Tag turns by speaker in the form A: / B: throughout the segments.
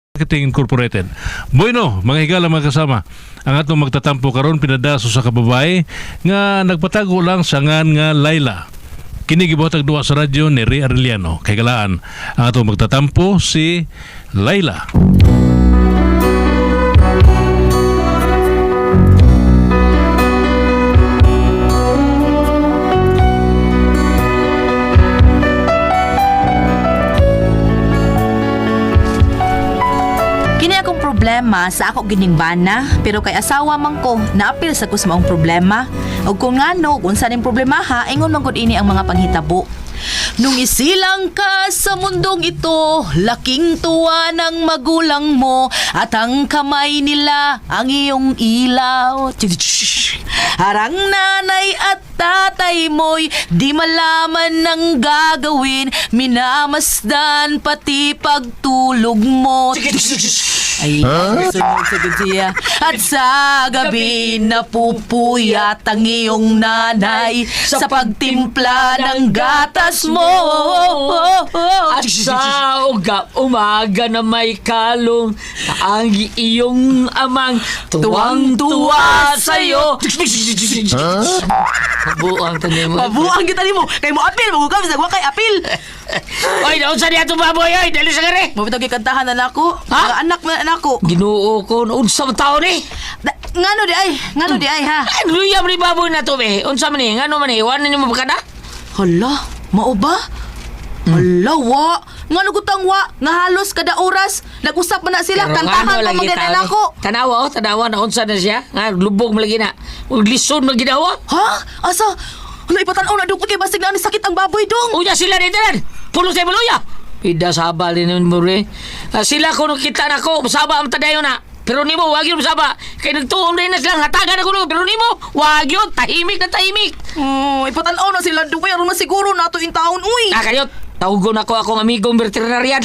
A: Marketing Incorporated. Bueno, mga higala mga kasama, ang atong magtatampo karon pinadaso sa kababay nga nagpatago lang sa ngan nga Laila. Kini gibuhatag duwa sa radyo ni Ray Arellano. Kay galaan ang atong magtatampo si Laila.
B: Problema sa ako giningbana pero kay asawa man ko naapil sa kus maong problema ug kung ngano kung saan yung problema ha ingon man gud ini ang mga panghitabo. Nung isilang ka sa mundong ito, laking tuwa ng magulang mo at ang kamay nila ang iyong ilaw. Harang nanay at tatay mo'y di malaman ng gagawin, minamasdan pati pagtulog mo. Ay, sunod sa siya. At sa gabi napupuyat ang iyong nanay sa pagtimpla ng gatas mo.
C: At sa umaga na may kalong ang iyong amang tuwang-tuwa sa'yo. Mabuang tani mo.
B: Mabuang kita ni mo. Kay mo apil, magugam sa kay apil.
C: Oy, naon sa niya itong baboy, oy, dali sa gari.
B: Mabitag ikantahan na nako. Mga anak na nako.
C: Ginoo ko, unsa man taon eh.
B: Ngano di ay ha.
C: Ay, luya man ni baboy na to, be. Unsa man eh, ngano man eh, iwan na niyo mabakada?
B: Hala, mao ba? Hala, wa. Ngano gutang wa, nga halos kada oras nag-usap man na sila, kantahan pa maganda nako.
C: Tanawa na unsa na siya. Nga, lubog malagi na. Ug lison man ginawa.
B: Ha? Asa? Hala, ipatanaw na dong kay basig na ni sakit ang baboy dong.
C: Uya sila dito yan. Pulo sa luya. Pida sabal din mo rin. Sila ko nung kita na ko, masaba ang tadayo na. Pero ni mo, wag yun masaba. Kaya nagtuong rin na silang hatagan ako. Pero ni mo, wag yun. Tahimik na tahimik.
B: Ipatanaw na sila dong kay aron masiguro na to in taon, uy.
C: Kayot, tawagon ako akong amigong veterinarian.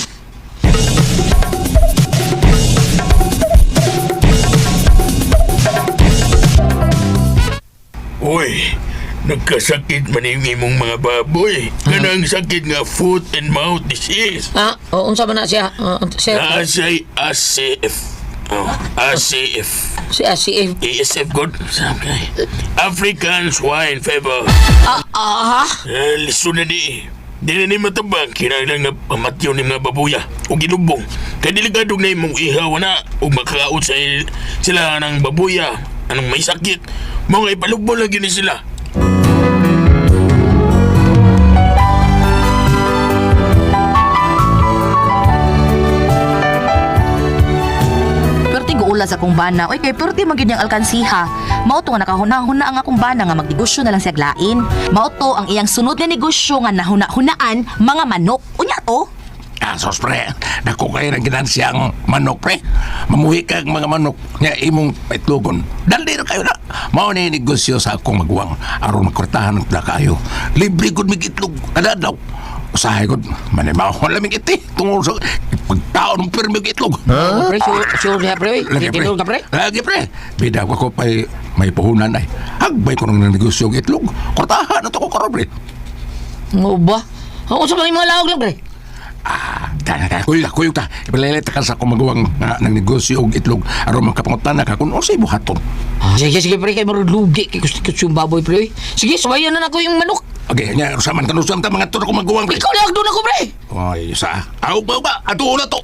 D: Uy, nagkasakit man yung imong mga baboy. Ganang sakit nga foot and mouth disease.
C: Unsa man na siya? Sir,
D: Asay ACF. ACF.
C: si ACF.
D: ASF good. Okay. African Swine Fever. Liso na di. Di na ni matabang. Kinailang na pamatyo ni mga babuya. O ginubong. Kaya diligadong na imong ihaw na. O makakaot sa sila ng babuya. Anong may sakit. Mga ipalugbo lagi ni sila.
B: Ulas akong bana. Oy, kay perti magid yang alkansiha. Mao to nga nakahuna-huna ang akong bana nga magnegosyo na lang siya glain. Mao to ang iyang sunod nga negosyo nga nahuna-hunaan mga manok. Unya to?
E: Sos pre, dako kayo ng ginansiyang manok pre. Mamuhi kag mga manok nga imong paitlogon. Dali kayo na. Mao na yung negosyo sa akong magwang aron makortahan ng kayo. Libre gud mig itlog kada adlaw. Usahay gud manimahon lamig iti tungod sa pagtaon ng pirmi itlog.
C: Pre, sure niya pre. Tinulog ka pre?
E: Lagi pre. Bida ko pa'y may puhunan ay. Hagbay ko ng negosyo ng itlog. Kortahan na to ko karon pre.
C: Mo ba? Unsa man yung mga laog lang pre?
E: Kuyog ta. Ipalilit ka sa akong magawang ng negosyo og itlog aron makapangutan na ka kung unsay buhaton.
C: Sige pre, kay marudugi kay gusto yung baboy pre. Sige, subayan na nako yung manok.
E: Okay, nya usaman kanusam ta mga turo ko magawang pre.
C: Ikaw lang doon ako pre.
E: Oy, sa. Aw ba? Ato na to.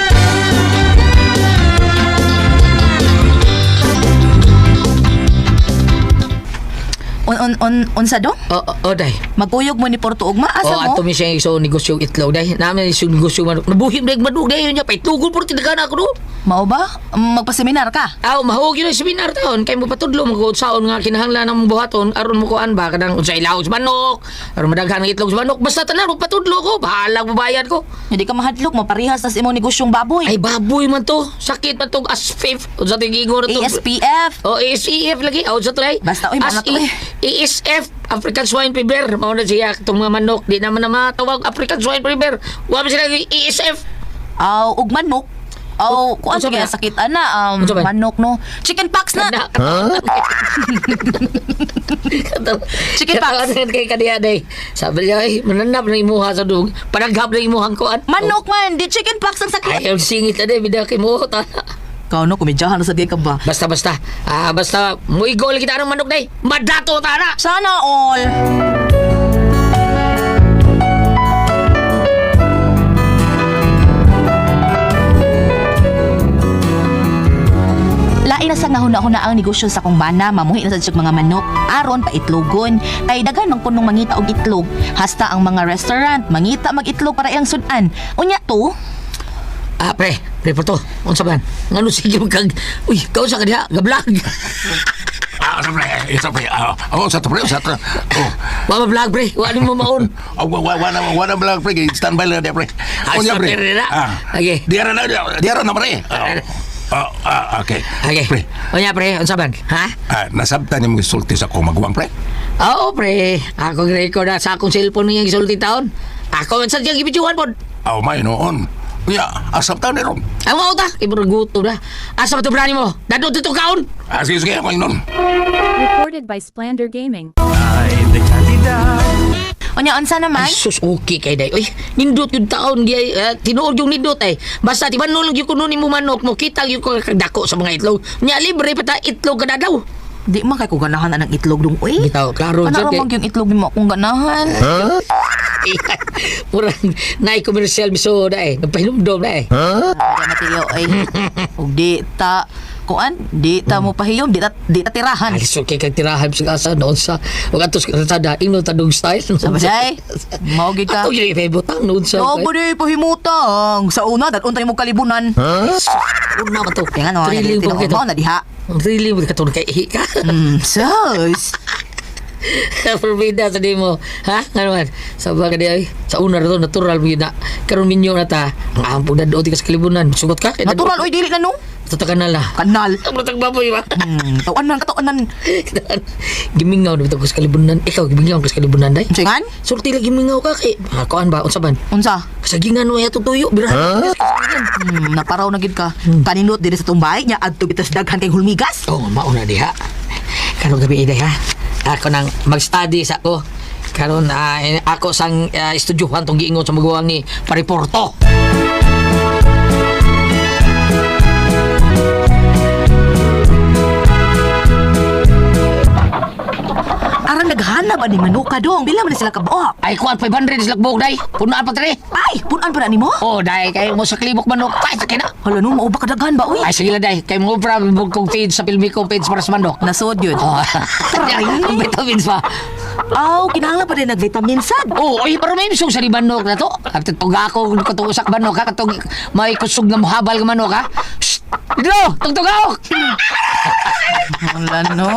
B: Unsa dong?
C: Day.
B: Magkuyog mo ni Porto Ugma asa mo?
C: Ato mi siya iso negosyo itlog day. Namin iso negosyo manok. Nabuhim dag manok day nya paitugol por tindagan ako do.
B: Mao ba? Magpaseminar ka?
C: Mahog yun ang seminar taon. Kaya mo patudlo, mag-usaon nga kinahanglan ng buhaton, aron mo kuan ba, kadang unsay ilaw sa manok, aron madaghan ng itlog sa manok, basta tanan, patudlo ko, bahala babayad ko.
B: Hindi ka mahadlok, maparihas tas imong negosyong baboy.
C: Ay, baboy man to. Sakit man to, ASFIF. O sa tingigor to.
B: ASPF.
C: ASEF lagi. O sa tulay.
B: Basta, uy, mga to eh.
C: ASF, African Swine Fever. Mauna siya, itong mga manok, di naman na matawag African Swine Fever. Huwag sila ASF.
B: Ug manok. Oh, kuan
C: Unsa
B: kaya
C: ba?
B: sakit ana
C: Unsa ba?
B: manok no. Chicken pox na. Chicken pox.
C: Kay kaniya day. Sabi niya, ay, mananap na imuha sa dug. Panaghap na imuhang kuan.
B: Manok man, di chicken pox ang sakit.
C: Ayaw singit na day, bida kay mo.
B: Kau no kumidyahan na sa di ka ba?
C: Basta. Basta, muigol kita ng manok day. Madato tana.
B: Sana all. Lain na sa ngahuna-huna ang negosyo sa kong bana, mamuhi na sa siyang mga manok, aron pa itlogon. Kay daghan mang punong mangita og itlog. Hasta ang mga restaurant, mangita mag-itlog para ilang sudan. Unya to,
C: Pre po to. Unsa man? Ngano sige kag, uy, kau sa kaniya, gablag.
E: Sa pre. Sa pre.
C: Wala vlog pre, wala mo maon.
E: Wala lang pre. Standby lang dia pre. Unya pre.
C: Okay.
E: Diara na pre. Okay.
C: Okay.
E: Pre.
C: Unya pre, unsa man? Ha?
E: Nasabtan yung sulti sa kong magwang pre.
C: Oo pre, ako record na sa akong cellphone niyang gisulti taon. Ako man sa diyang gibidyohan po.
E: May noon. Unya, asabtan ni ron.
C: Ang mga uta, iburuguto na. Asa ba ito brani mo? Dadot ito kaon?
E: Sige ako yun nun.
F: Recorded by Splander Gaming.
B: unya unsa naman?
C: Ay, sus, okay kay day. Uy, nindot yung taon, tinuod yung nindot eh. Basta, di ba nulog yung kununin mo manok mo, kita yung dako sa mga itlog. Nya, libre pa ta, itlog ka na daw.
B: Di man kay ko ganahan ng itlog dong. Uy,
C: Bitaw, klaro
B: ano
C: dyan
B: ra
C: kay...
B: mang yung itlog ni mo akong ganahan?
C: Murang, naay-commercial bisoda eh. Nagpahinumdom na eh.
B: Kaya matiyo ay ug di ta kuan, di ta mo pahiyom, di ta tirahan.
C: Ay, so kay kag tirahan sa asa noon sa ug atos kasada ingno tadong style.
B: Sa baday, mao gid ka.
C: Ato gyud ibutang noon sa.
B: Oo, di pahimutang. Sa una, untay mo kalibunan.
C: Una ba to?
B: Kaya nga, no,
C: Thrilling
B: nalito
C: ba kita?
B: mo na diha.
C: Thrilling ba katong kay ihi ka?
B: Sus.
C: Forbida sa di mo. Ha? Ano man? Sabi ka di ay. Sa una na to, natural mo yun na. Karoon minyo na ta. Ang ampong na doon ka sa kalibunan. Sugot ka?
B: Natural, oy, dili na no.
C: Ito kanal ha.
B: Kanal.
C: Ang matang baboy ba?
B: Tawanan.
C: Gimingaw na ito ka sa kalibunan. Ikaw, gimingaw ka sa kalibunan day.
B: Singan?
C: Sulti lang gimingaw ka kay. Kuan ba? Unsa ban?
B: Unsa?
C: Kasagingan mo yato tuyo. Birahan.
B: Naparaw na gid ka. Kaninot diri sa tumbay nya adto bitas daghan kay hulmigas.
C: Oh, mauna di ha. Karong gabi iday ha. Ako nang mag-study sa ko. Karon ako sang estudyuhan tong giingon sa maguwang ni Pariporto.
B: Aran naghana ba ni manuka dong? Bila man sila kabuok?
C: Ay kuan 500 sila buog day. Punaan pa tre.
B: Ay, punan pa na nimo?
C: Oh, day kay mo sa klibok manok. Ay, sakit na.
B: Hala no, mauba ka daghan ba uy?
C: Ay, sige lang day. Kay mo problem kong page sa filmi kong page para sa manok.
B: Nasod yun.
C: Oh,
B: Ay.
C: ang vitamins pa.
B: Aw, kinahanglan pa din nag-vitamin sad.
C: Oh, ay, pero may misong sa manok na to. At tuga ako katong usak manok ha. Katong may kusog na muhabal ka manok ha. Shhh! Dito! Tugtog ako!
B: Wala no.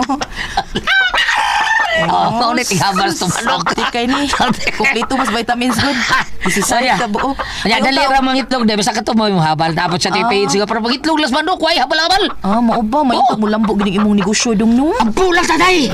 C: Oh, maunit ihabal sa manok.
B: Sakti kay ni. Kumpleto mas vitamins good. Isisaya ka buo.
C: Kanya, dali ra mga itlog. Dahil basta ka to mo yung habal. Tapos sa tipid. Sige, pero pag itlog las manok, way, habal-habal.
B: Ah, mao ba? May
C: Oh.
B: mo lambo gining imong negosyo dong no.
C: Ang pulang taday!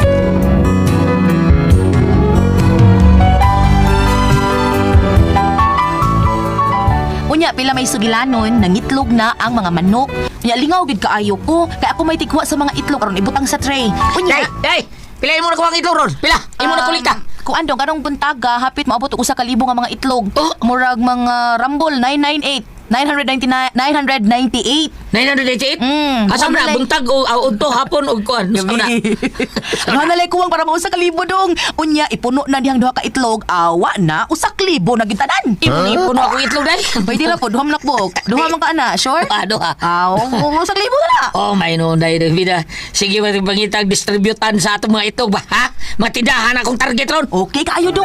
B: Unya, pila may sugilanon, nangitlog na ang mga manok. Unya, lingaw gid kaayo ko. Kaya ako may tigwa sa mga itlog aron ibutang sa tray. Unya,
C: Hey! Pila mo na kuha ang itlog ron? Pila? Imo na kulita?
B: Kung andong kanong buntaga, hapit maabot og 1,000 nga mga itlog.
C: Oh.
B: Murag mga Rumble 998. 998.
C: 988?
B: kuha
C: Asa mo na?
B: na
C: Buntag o udto hapon o kuan? Gusto na?
B: Ano na lay kuwang para mausa ka libo dong. Unya, ipuno na dihang duha ka itlog. Awa na, usak libo na gintanan.
C: Ipon ako itlog dahil?
B: Pwede na po, duha man nakbok. Duha man ka ana, sure?
C: Ano ha?
B: Aw, usak libo na.
C: Oh, may noon dahil vida. Sige, matibangitag distributan sa atong mga itlog ba? Ha? Matidahan akong target ron.
B: Okay kaayo dong.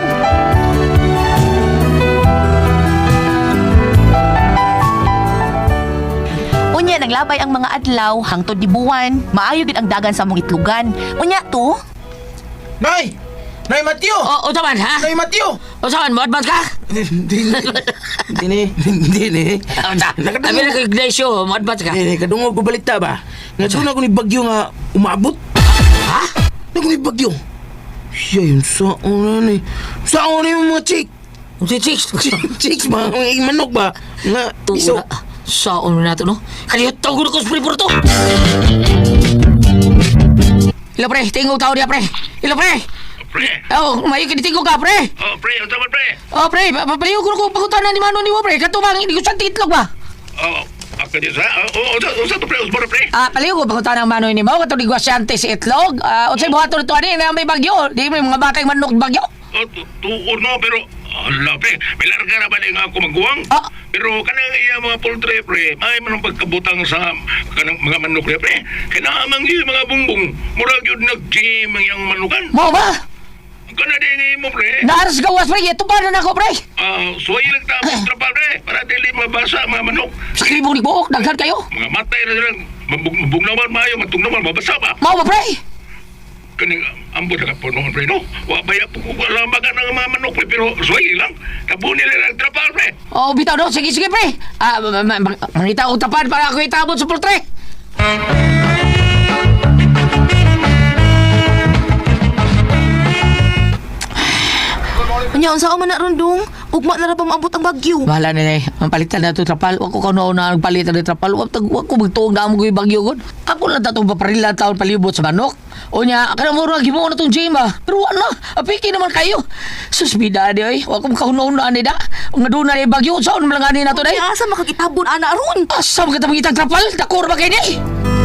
B: Unya, naglabay ang mga adlaw hangtod dibuwan. Maayo gid ang dagan sa mong itlogan. Unya to,
G: Nay! Nay Mateo!
C: O saman, ha?
G: Nay Mateo!
C: O saman, mo advance ka?
G: Hindi ni.
C: Sabi na kay Ignacio, mo advance ka?
G: Kadungog ko balita ba? Nga doon ako ni Bagyo nga umabot.
C: Ha?
G: Ako ni Bagyo. Siya yun saan na ni. Saan na yung mga chick?
C: Si Chicks.
G: Chicks ba? Mga manok ba? Nga iso.
C: Saan mo na ito, no? Kaniyot tawag ko sa pripuro to. Ilo, pre. Tingog tao niya, pre. Ilo, pre.
D: Pre.
C: Oh, mayo kinitingog ka, pre.
D: Oh, pre, ang tama, pre.
C: Oh, pre. Papaliw ko pangutanan ni Mano ni mo, pre. Katubang, hindi ko siyang titlog ba?
D: Oh, ako din sa. Usa to, pre. Usbara, pre.
C: Paliw ko pangutanan ng Mano ni mo. Katong negosiyante si Itlog. Unsay buhaton nito, ani, na may bagyo. Di may mga batay manok bagyo.
D: Oh, tuon no, pero ala, pre. May larga na ba nga ako magguwang?
C: Ah.
D: Pero kanang iya mga poultry, pre, may manong pagkabutang sa kanang mga manok, pre. Kinaamang iya mga bungbong. Murag yun nag-gym ang iyang manukan.
C: Mo ba?
D: Kana din mo, pre.
C: Naaras gawas, pre. Ito pa na ako, pre.
D: Suway lang tapos trapal, pre. Para dili mabasa ang mga manok.
C: Sa kribong ni Buok, daghan kayo.
D: Mga matay na silang mabugnawan maayo, matugnawan, mabasa ba?
C: Mo ba, pre?
D: Kaning ambot na kapunuhan, pre, no? Wabaya po ko lambagan ng mga manok, pre, pero suway lang. Tabu nila lang trapal, pre.
C: Oh, bitaw no. Sige, pre. Mangita ko tapan para ako itabot sa pultre.
B: Anya, unsa man na rundong? Ugma na ra pa maabot ang bagyo.
C: Bahala na ang palitan na ito trapal. Wag ko kaunaw na nagpalitan ng trapal. Wag ko magtuong na mo ko yung bagyo ko. Ako lang tatong paparila taon palibot sa manok. O niya, akala mo rin, gimo na itong gym ah. Pero wala, apiki naman kayo. Susbida di ay, wag ko kaunaw na anida. Ang naduna na yung bagyo, saan naman lang na ito
B: Ay,
C: day?
B: asa makakitabon ana aron?
C: Asa mo kita mangitang trapal? Dakor ba kayo ni?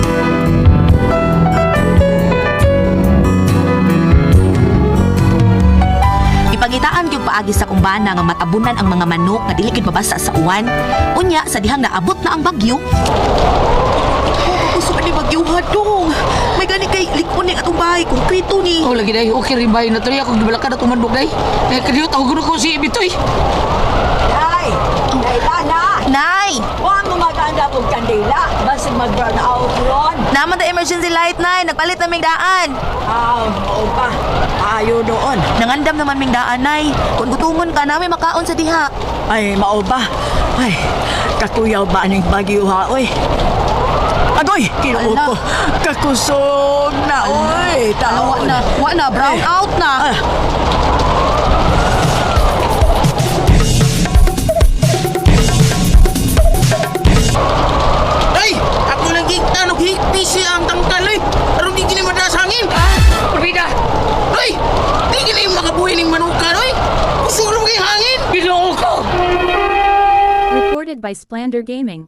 B: Ipagitaan gyud paagi sa kumbana nga matabunan ang mga manok nga dili gid mabasa sa uwan. Unya sa dihang naabot na ang bagyo. Gusto ni bagyo hadong. May gani kay likon ni atong bahay konkreto ni.
C: Oh, lagi day, okay rin ba yun na ito? Ako gibalakad na tumandok day. Kaniyot, ako ko si Ibitoy.
H: Nay! Nailana!
B: Nay,
H: Huwag mo maganda kong kandila. Basig mag-burn out ron.
B: naman the emergency light nay, nagpalit na ming daan.
H: Oo pa. Ayaw doon.
B: Nangandam naman ming daan nay. Kung gutungon ka namin makaon sa diha.
H: Ay, mao ba? Ay, kakuyaw ba ning bagyo ha, oy? Agoy! Kinuot
B: Ala.
H: ko. Kakusog na, oy! Taon.
B: Wa na, brown out na.
G: Ay! Ako lagi higpi siya ang tangkal eh. Pero di kini madalas hangin.
C: Pabida!
G: Ay! Di kini makabuhay ng manukan oy. Gusto kay hangin.
C: Biloo ko!
F: Recorded by Splander Gaming.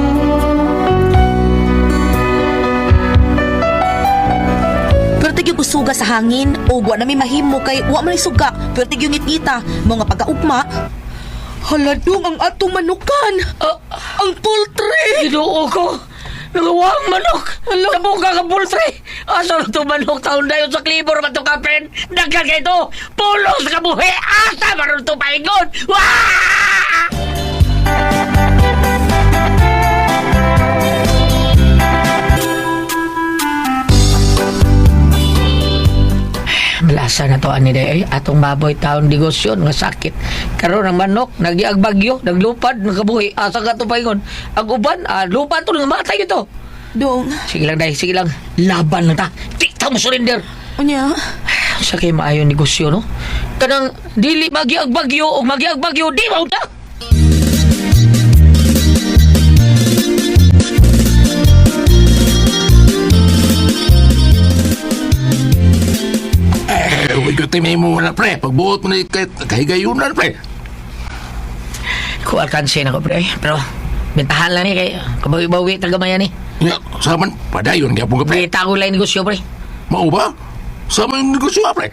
B: Pero tigyo gusuga sa hangin o wa na may mahimo kay wa man suga. Pero tigyo ngit-ngita mga pagkaugma. Haladong ang atong manukan. Ang poultry.
C: Biloo ko! Nagawang manok! Tabong ka ka pultre! Asa na ito manok taon na yun sa klibor man ito kapren? Dagkan ka ito! Pulos ka buhi! Asa maroon ito paingon! Wah! Malasa na to ani day atong baboy taon negosyo nga sakit karon ang manok nagiagbagyo naglupad nakabuhi asa ka to paingon ang uban lupad to nga matay ito
B: Dong,
C: sige lang day sige lang laban lang ta di ta mo surrender
B: unya.
C: sa kay maayo negosyo no kanang dili magiagbagyo o magiagbagyo di mo ta
E: Huwag ko timay mo na, pre. Pagbuot mo na kahigayunan, pre.
C: ko alkanse na ko pre pero bentahan lang ni kay kabawi-bawi tagamayan ni
E: Ya, saman, padayon kaya po ka, pre.
C: bita ko lang negosyo pre
E: Mau ba? Sama yung negosyo, pre.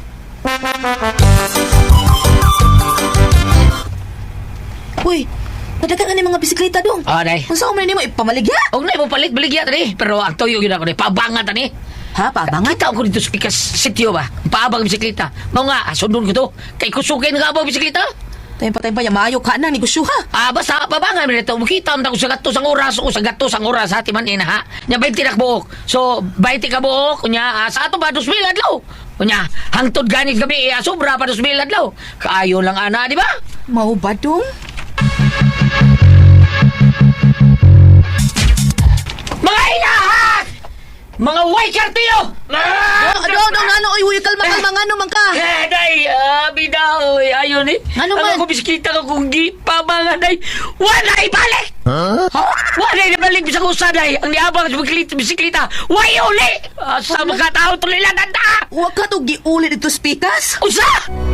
B: Uy, nadagan na ni mga bisikleta dong.
C: day
B: Unsa man nimo ipamaligya?
C: og na mo palit baligya tani pero ang tuyo gyud ako ni pabangan tani.
B: Ha, pabangat?
C: Kita ko dito sa pikas sitio ba. Paabang bisikleta. Mao nga sundon ko to. Kay kusugay nga abang bisikleta.
B: Tempa-tempa ya maayo ka na negosyo ha.
C: Basta pabangan mi dito. Makita mo ko sa gatos ang oras o sa gatos ang oras ha timan ina ha. Nya 20 na buok. So 20 ka buok kunya sa ato ba 2,000 adlaw. Kunya hangtod ganit gabi sobra pa 2,000 adlaw. Kaayo lang ana di ba?
B: Mao ba dong?
C: Mga inahat! Mga way Day, Cartillo!
B: Dong, ano, uy, kalma, ano man ka?
C: Day, bidaw, ayun eh.
B: Ano man?
C: Ako bisikita ko kung gipabangan, Day. Wala ibalik! Wala ibalik sa kusa, Day. Ang niabang sa bisiklita, way uli! Sa mga tao tuloy lang, nanda!
B: Huwag ka to giulit ito, Spikas.
C: Usa!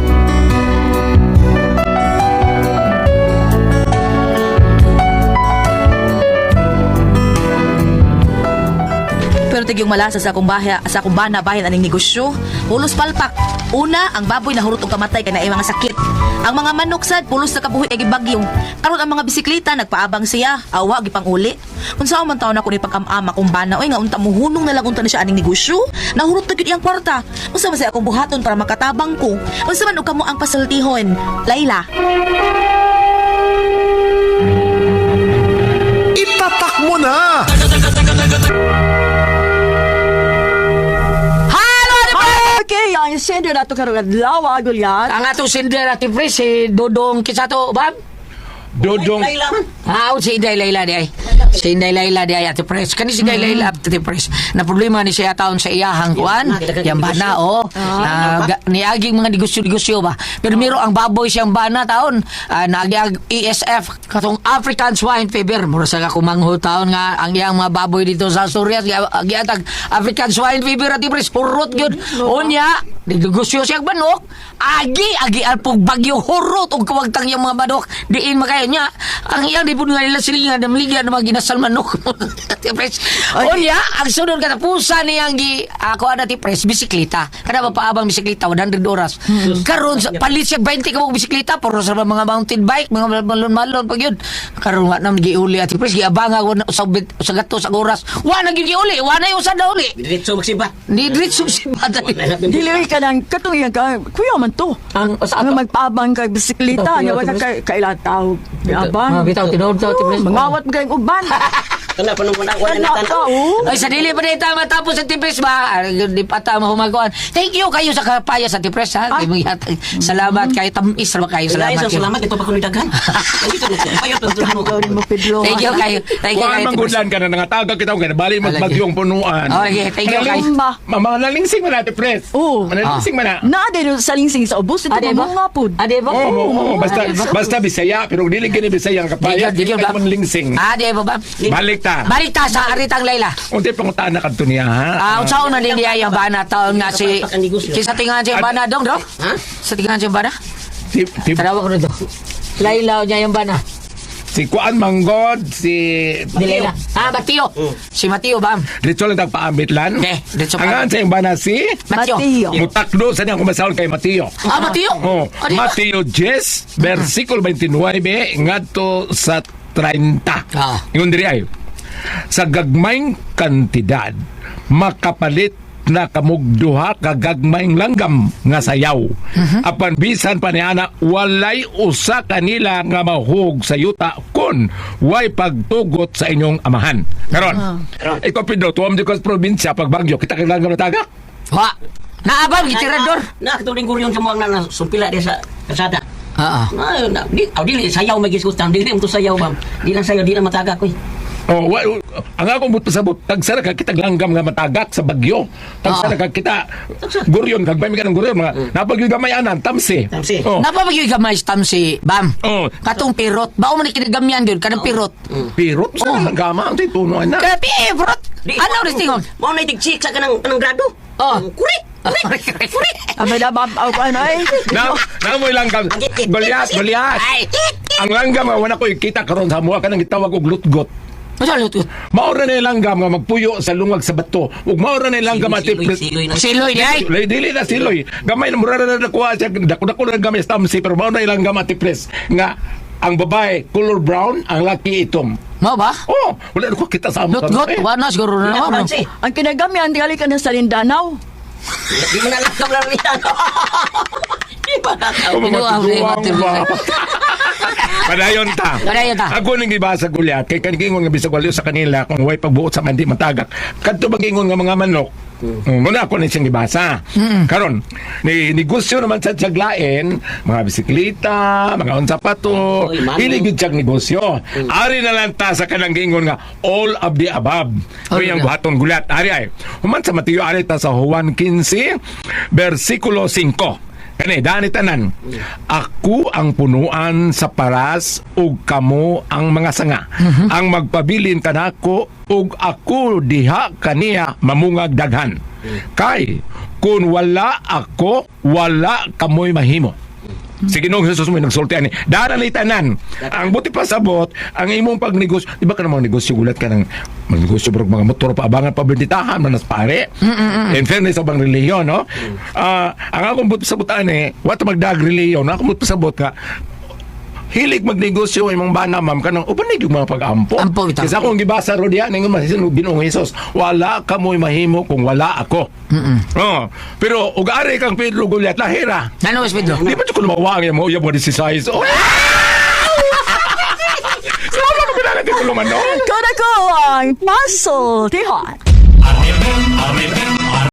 B: Pero tigyong malasa sa akong bana bahin aning negosyo. Pulos palpak. Una, ang baboy nahurot og kamatay kay naay mga sakit. Ang mga manok sad pulos sa kabuhi kay gibagyo. Karon ang mga bisikleta nagpaabang siya. Awa gipang uli. Unsa man taon ako ni pag-am-am akong bana oy nga unta muhunong na lang unta na siya aning negosyo. Nahurot na gyud iyang kwarta. Unsa man sa akong buhaton para makatabang ko. Unsa man og kamo ang pasultihon. Layla.
I: Itatak mo na!
H: Okay, ang sender na ito karong adlaw, Gulyat.
C: Ang atong sender at pre, si Dodong Kisato, Bab?
E: Dodong.
C: Si Inday Layla di ay. Si Inday Layla di ay Ate Pres. Kani si Inday Layla Ate Pres. Na problema ni siya taon sa iyahang kuan. Yang bana niaging mga negosyo ba. Pero miro ang baboy siyang bana taon. Naagi ESF katong African Swine Fever. Mura sa kumangho taon nga ang iyang mga baboy dito sa Asturias giatag African Swine Fever Ate Pres. Purot gyud. Unya negosyo siyang manok. Agi alpog bagyo hurot og kawagtang yung mga manok. Diin makayo niya. Ang iyang di po nga nila silingan na maligyan na mga ginasal manok. Unya, ang sunod katapusan niyang ako na ti pres, bisikleta. Kada mapaabang bisikleta, 100 oras. Karon palit siya 20 ka bisikleta, puro sa mga mountain bike, mga malon-malon pag yun. Karon nga nang giuli at ti pres, giabang ako sa gato sa oras. Wa na giuli, wa na yung sa dauli.
G: Diretso magsiba.
C: Di diretso magsiba.
H: Dili ka ng katong ka, kuya man to. Ang magpaabang kay bisikleta, nga wala kailan tao. Abang.
C: Bitaw, tinod daw, ti pres.
H: Mangawat mo kayong uban.
G: Kana pa nung wala na tanaw.
C: Ay, sa dili pa dito matapos sa tipres ba? Di pa ta mahumaguan. Thank you kayo sa kapaya sa tipres ha. Salamat kayo tamis ra kayo.
G: Salamat ito pa kuno daghan.
C: Thank you kayo. Thank you kayo.
E: Manggulan ka na nangatagag kita kaya bali magbagyong punuan.
C: Okay, thank you kayo.
E: Mamalingsing man natin, Pres.
H: Oo.
E: Manalingsing man na.
H: Naade sa lingsing sa ubos ito
C: Ade ba?
H: mga pud.
C: Ade ba?
E: Oo, basta Bisaya, pero dili gini Bisaya ang kapaya.
C: Digyo ba?
E: Manlingsing.
C: Ade ba ba?
E: Balik ta.
C: Balik ta sa aritang Layla.
E: Unti pangutaan na kadto niya, ha?
C: Unsaon na din niya yung bana taon nga si kisa tingan siya yung bana dong, dong?
G: Ha?
C: Sa tingan siya yung bana?
E: Tarawa
C: ko na dong. Layla niya yung bana.
E: Si Kuan Manggod, si
C: Di Layla. Mateo. Si Mateo ba?
E: Dito lang tagpaambit lan.
C: Okay, dito pa.
E: Ang sa yung bana si
C: Mateo.
E: Mutakdo sa niyang kumasahol kay Mateo.
C: Mateo?
E: Oh,
C: Adi ba?
E: Mateo 10, versikulo 29, ngadto sa 30. Yung diri ay, sa gagmayng kantidad, makapalit na kamugduha kagagmayng langgam nga sayaw. Apan bisan pa niana, walay usa kanila nga mahug sa yuta kun way pagtugot sa inyong amahan. Karon, ikaw Pedro, tuwam di ko sa probinsya, pagbagyo, kita kailangan nga natagak?
C: Wa. Naabang gitirador.
G: Nakatuling guryon sa mga na sumpila dia sa kasada. Di sayaw may giskustan. Di mo to sayaw bam. Di lang sayaw, di lang matagak ko.
E: Oh, ang akong buto pasabot, tagsara ka kita langgam nga matagak sa bagyo. Tagsara ka kita guryon, kagbay mi ka ng guryon, mga napagyo gamayanan, tamsi. Oh.
C: Napapagyoy gamay sa tamsi, bam.
E: Oh.
C: Katong pirot. Bao man ikinagamyan yun, kanang pirot.
E: Pirot sa langgama, ang titunuan na.
C: Kaya pirot. Ano rin tingon?
G: Mao na itig-chik sa kanang grado. Kurik.
H: Abay na ano ay.
E: Namoy langgam. Goliath. Ang langgam nga wala ko ikita karon sa mua kanang gitawag og lutgot. Maura na yung langgam nga magpuyo sa lungag sa bato. Ug maura na yung langgam ati
C: Siloy di ay.
E: Dili na siloy. Gamay na mura na nakuha siya. Dako na gamay sa tamsi pero maura na yung langgam ati pres nga ang babae color brown, ang laki itom.
C: Mo ba?
E: Oh, wala na ko kita sa amo.
C: Lutgot, wala siguro na naman.
H: Ang kinagamyan tingali ka na sa Lindanaw.
G: Di mo na lang kamlang riyan. Di ba na
E: Matiguang ba? Padayon ta.
C: Padayon ta.
E: Ako nang gibasa gulyat kay kaningon nga bisag waliw sa kanila kung way pagbuot sa mandi matagak. Kadto magingon nga mga manok. Muna ako na siyang gibasa. Karon, ni negosyo naman sa tiyaglain, mga bisikleta, mga unsa pa to,
G: Oy, mano.
E: hiligid siyang negosyo. Ari na lang ta sa kanang gingon nga all of the above.
C: All
E: O yung
C: of the-
E: buhaton gulat. Ari ay. Human sa Mateo ari ta sa Juan 15 versikulo 5. Kani dani tanan. Ako ang punuan sa paras ug kamo ang mga sanga. Ang magpabilin kanako ug ako diha kaniya mamungag daghan. Kay kun wala ako, wala kamoy mahimo. Si Ginoong Jesus mo nagsulti ani. Darali tanan. Ang buti pa sabot, ang imong pagnegosyo, di ba ka namang negosyo gulat ka ng magnegosyo bro mga motor pa abangan pa benditahan manas pare. In fairness sa bang reliyon, no? Ang akong buti pasabot ani, what magdag reliyon, akong buti pasabot ka hilig magnegosyo imong bana ma'am kanang uban yung mga pag-ampo.
C: Ampo bitaw.
E: Kasi akong gibasa ro diyan nga masisin Ginoong Jesus, wala ka mo'y mahimo kung wala ako. Oh, pero ug ari kang Pedro Goliat lahira.
C: Ano, Mas Pedro?
E: Di ba ko lumawang yung mga mo 16? Oh! Sama ko pinalagay ko lumanon.
H: Kada ko ang muscle, tihon.
I: Arriba, arriba.